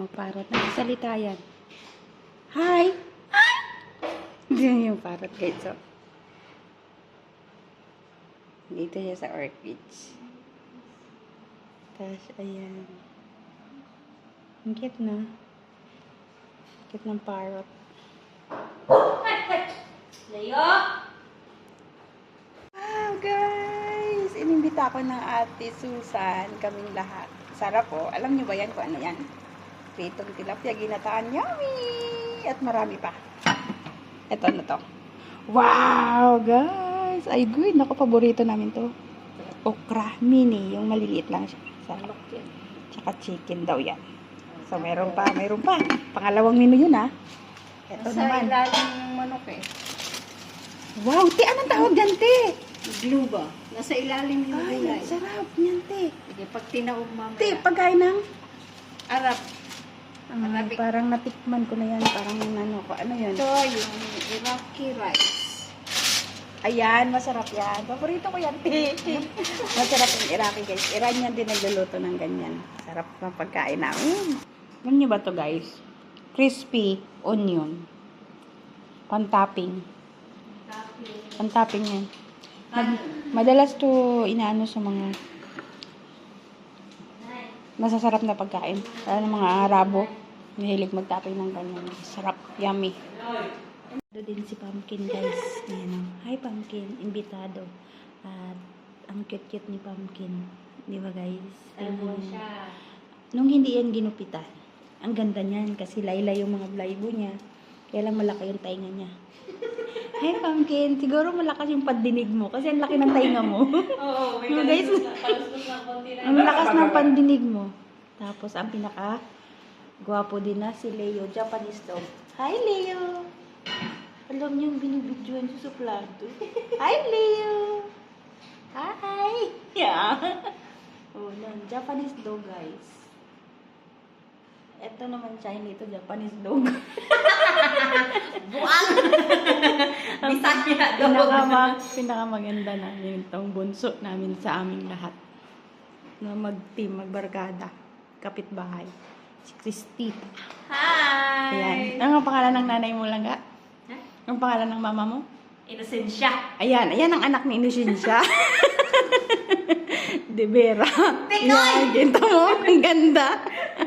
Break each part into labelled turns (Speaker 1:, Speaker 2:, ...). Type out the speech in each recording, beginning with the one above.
Speaker 1: parrot. Nagsasalita yan. Hi! Hi! Diyan yung parrot, guys. So, dito siya sa orchids. Tapos, ayan. Ang cute na. Cute ng parrot.
Speaker 2: Leo!
Speaker 1: Wow, guys! Inimbita ako ng Ate Susan, kaming lahat. Sarap po. Alam niyo ba yan kung ano yan? Pritong tilapia, ginataan. Yummy! At marami pa. Ito na to. Wow, guys! Ay, good. Naku, paborito namin to. Okra mini. Yung maliliit lang siya. Sarap yan. Tsaka chicken daw yan. So, meron pa. Meron pa. Pangalawang menu yun, ha? Ito
Speaker 2: Sa
Speaker 1: naman.
Speaker 2: ilalim ng manok eh.
Speaker 1: Wow, te, anong tawag dyan, te?
Speaker 2: Glue ba? Nasa ilalim yung
Speaker 1: Ay,
Speaker 2: gulay.
Speaker 1: sarap niyan, te.
Speaker 2: Sige, pag tinaog mamaya.
Speaker 1: Te, pagkain ng...
Speaker 2: Arap.
Speaker 1: Ay, parang natikman ko na yan. Parang ano ko. Ano yun?
Speaker 2: Ito yung Iraqi rice.
Speaker 1: Ayan, masarap yan. Paborito ko yan, te. Masarap yung Iraqi, guys. Iran yan din nagluluto ng ganyan. Sarap ng pagkain namin. Alam niyo ba to, guys? Crispy onion. Pantopping. Pantopping yan. Madalas to inaano sa mga masasarap na pagkain. Lalo ng mga Arabo. Mahilig magtopping ng ganyan. Sarap. Yummy. Ito din si Pumpkin, guys. Ayan o. Hi, Pumpkin. Imbitado. At ang cute-cute ni Pumpkin. Di ba, guys? Nung hindi yan ginupitan, ang ganda niyan kasi laylay yung mga blaybo niya. Kaya lang malaki yung tainga niya. Hi, Pumpkin. Siguro malakas yung pandinig mo kasi ang laki ng tainga mo.
Speaker 2: Oo,
Speaker 1: No, guys. Ang lakas ng pandinig mo. Tapos, ang pinaka gwapo din na si Leo, Japanese dog. Hi, Leo! Alam niyo yung binibidyoan siya sa plato. Hi, Leo! Hi! Yeah! Oh, yan. Japanese dog, guys. Ito naman Chinese, ito Japanese dog.
Speaker 2: Buang! Bisaya dog.
Speaker 1: Pinakamaganda namin itong bunso namin sa aming lahat. Na mag-team, magbarkada, kapitbahay. Si Christita.
Speaker 2: Hi!
Speaker 1: Ayan. Ano ang pangalan ng nanay mo lang, ga?
Speaker 2: Huh?
Speaker 1: Ang pangalan ng mama mo?
Speaker 2: Inosensya.
Speaker 1: Ayan. Ayan ang anak ni Inosensya. De Vera. Ayan. Ginto mo. Ang ganda.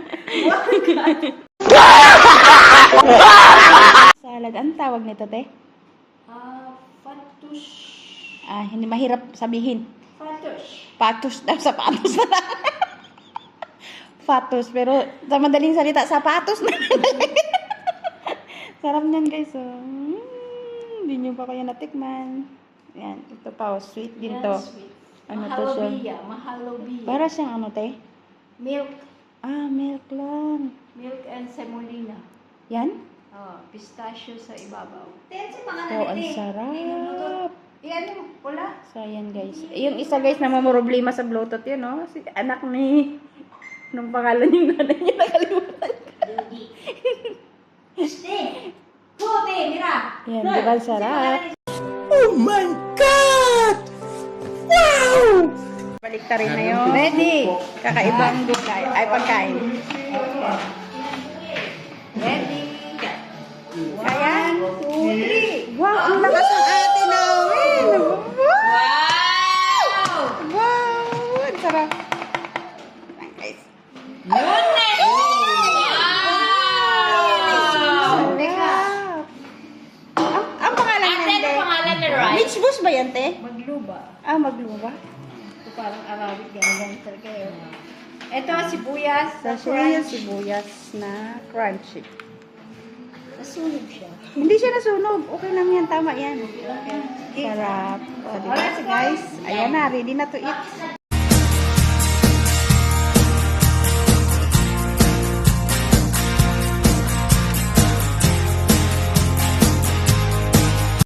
Speaker 1: Salad. Ang tawag nito, te?
Speaker 2: Fatush.
Speaker 1: Hindi mahirap sabihin.
Speaker 2: Fatush.
Speaker 1: Patos. Sapatos na lang. Fatos. Pero sa madaling salita, sapatos na lang. Sarap niyan, guys. Oh. Hindi nyo pa kaya natikman. Ayan. Ito pa. Oh. Sweet din to. Ano to siya?
Speaker 2: Mahalobiya.
Speaker 1: Para siyang ano, te?
Speaker 2: Milk.
Speaker 1: Milk lang.
Speaker 2: Milk and semolina.
Speaker 1: Yan?
Speaker 2: Pistachio sa ibabaw.
Speaker 1: Oh, ang sarap.
Speaker 2: Iyan mo, pula.
Speaker 1: So, ayan, guys. Yung isa, guys, na mamroblema sa Bluetooth yun, no? Si anak ni... Nung pangalan yung nanay niya, nakalimutan.
Speaker 2: Kote, mira.
Speaker 1: Ayan, di ba sarap? Oh my God! Wow! Balik ta rin na yun. Ready. Kakaibang gulay. Ay, pagkain.
Speaker 2: Ready.
Speaker 1: Ayan. 2, 3. Wow, ang lakas ng ate namin.
Speaker 2: Wow!
Speaker 1: Wow! Ang sarap. Ayan, guys.
Speaker 2: Lunes! Wow!
Speaker 1: Sarap. Ang pangalan
Speaker 2: Ate,
Speaker 1: niyan,
Speaker 2: ano
Speaker 1: te?
Speaker 2: pangalan na rice?
Speaker 1: Mitch Bus ba yan, te?
Speaker 2: Magluba.
Speaker 1: Magluwa.
Speaker 2: Ito parang Arabic, ganyan kayo. Ito, sibuyas.
Speaker 1: Sa yung sibuyas na crunchy.
Speaker 2: Nasunog siya.
Speaker 1: Hindi siya nasunog. Okay lang yan. Tama yan. Sarap. O, diba? So, guys, ayan na. Ready na to eat.